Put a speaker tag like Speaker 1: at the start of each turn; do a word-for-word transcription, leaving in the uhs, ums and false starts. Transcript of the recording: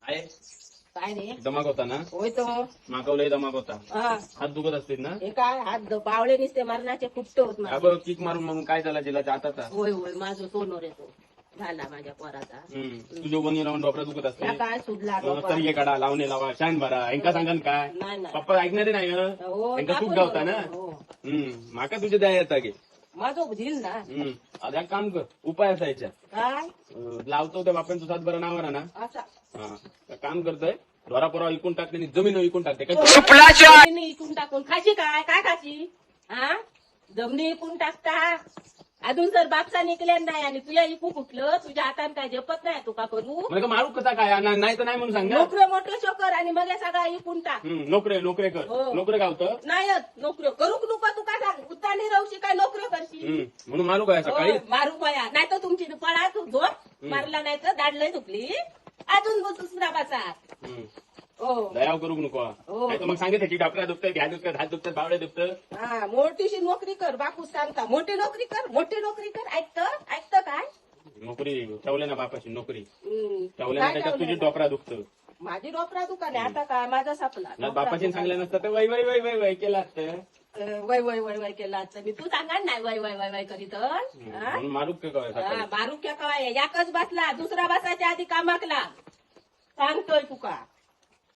Speaker 1: आहे
Speaker 2: काय नाही
Speaker 1: दमाक होता ना
Speaker 2: होय तो
Speaker 1: मागवलंय दमाक होता
Speaker 2: हा
Speaker 1: हात दुखत असतील ना
Speaker 2: हे काय हात बावळे निसते मरणाचे खुपटे होत माझे.
Speaker 1: अगं किक मारून मग काय झाला जिला आता
Speaker 2: होय होय माझं सोनोर येतो झाला माझ्या पोराचा.
Speaker 1: तुझ्या कोणी राहून डॉक्टर दुखत असते
Speaker 2: या काय सुडला डोका.
Speaker 1: तरी काढा लावणे लावा शान भरा यांका सांगान काय
Speaker 2: नाही नाही
Speaker 1: पप्पा ऐकणारे नाही हं?
Speaker 2: हो
Speaker 1: यांका खूप
Speaker 2: आपण
Speaker 1: गावता ना
Speaker 2: हो.
Speaker 1: हम्म माका तुझ्या द्या येता गे
Speaker 2: माझं झील ना
Speaker 1: हम्म आता एक काम कर उपाय असायच्या
Speaker 2: काय
Speaker 1: अं, लावतो त्या बापांचं सात बरं नावर ना
Speaker 2: असा
Speaker 1: हा तर काम करतोय ढोरा पोरा विकून टाकते आणि जमीन विकून टाकते काय
Speaker 2: जमिनी इकून टाकून खाशी काय काय खाशी हा जमिनी इकून टाकता अजून जर बापचा निघल्या नाही आणि तुझ्या इकू कुठलं तुझ्या हाताने काय झेपत नाही तू का करू
Speaker 1: म्हणजे मारू कसा काय ना- नाही तर नाही म्हणून सांग ना
Speaker 2: नोकरी मोठं शोकर आणि मग या सगळा इकून टाक.
Speaker 1: हम्म, नोकरे नोकरे कर
Speaker 2: हो.
Speaker 1: नोकरे गावतं
Speaker 2: नाही नोकरी करू नको तू काय सांग उतानी राहूशी काय नोकरी करशील.
Speaker 1: हम्म, म्हणून मारू काय सकाळी
Speaker 2: हो, मारू पया नाही तर तुमची पळा तू झोप मारला नाही तर दाडलंय चुकली अजून दुसरा बसा.
Speaker 1: हम्म,
Speaker 2: हो
Speaker 1: दयाव करू नको
Speaker 2: हो.
Speaker 1: नाही तर मग सांगितलं की डॉक्टर दुखतं घ्या दुखतं हात दुखतं बावडे दुखतं
Speaker 2: हा मोठीशी नोकरी कर बापू सांगता मोठी नोकरी कर मोठी नोकरी कर ऐकतं ऐकतं काय
Speaker 1: नोकरी ठेवले ना बापाची नोकरी
Speaker 2: हम्म.
Speaker 1: ठेवले ना
Speaker 2: काय
Speaker 1: त्याच्यात तुझी
Speaker 2: ठेवलंय?
Speaker 1: डॉक्टरा दुखतं
Speaker 2: माझी डोकरा दुकान आहे आता काय माझा सापला
Speaker 1: ना बापाची सांगलं नसतं तर वय वय वय वय वय केलं असतं
Speaker 2: अं, वय वय वय वय केला असतं मी तू सांगा ना वय वय वय वय करीत
Speaker 1: म्हणून मारू का काय सकाळी
Speaker 2: बारू क्या कवाय याकच बसला दुसरा बसायच्या आधी कामाकला सांगतोय तुका